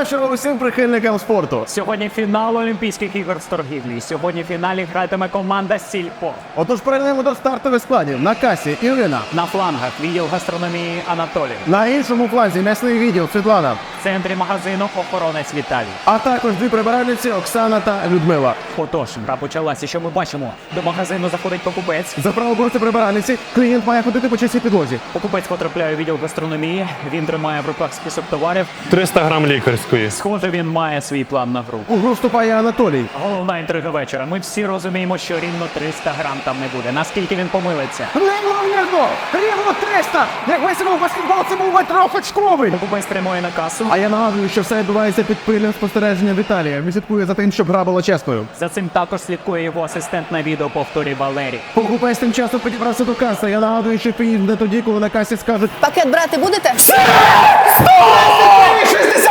вечора усім прихильникам спорту. Сьогодні фінал Олімпійських ігор з торгівлі. Сьогодні в фіналі гратиме команда Сільпо. Отож перейдемо до стартових складів. На касі Ірина. На флангах відділ гастрономії Анатолій. На іншому фланзі м'ясний відділ Світлана. В центрі магазину охоронець Віталій. А також дві прибиральниці Оксана та Людмила. Отож, гра почалася. Що ми бачимо? До магазину заходить покупець. За право борти прибиральниці клієнт має ходити по чистій підлозі. Покупець потрапляє у відділ гастрономії. Він тримає в руках список товарів. 300 грам лікарської. Схоже, він має свій план на гру. У гру вступає Анатолій. Головна інтрига вечора. Ми всі розуміємо, що рівно 300 грам там не буде. Наскільки він помилиться? Неймовірно! Рівно 300! Як весело в баскетбол, це був метров очковий! Покупець прямує на касу. А я нагадую, що все відбувається під пильним спостереженням Віталія. Він слідкує за тим, щоб гра була чесною. За цим також слідкує його асистент на відеоповторі Валерій. Покупець тим часом підібрався до каси. Я нагадую, що фініш не тоді, коли на касі скажуть Пакет брати будете? 60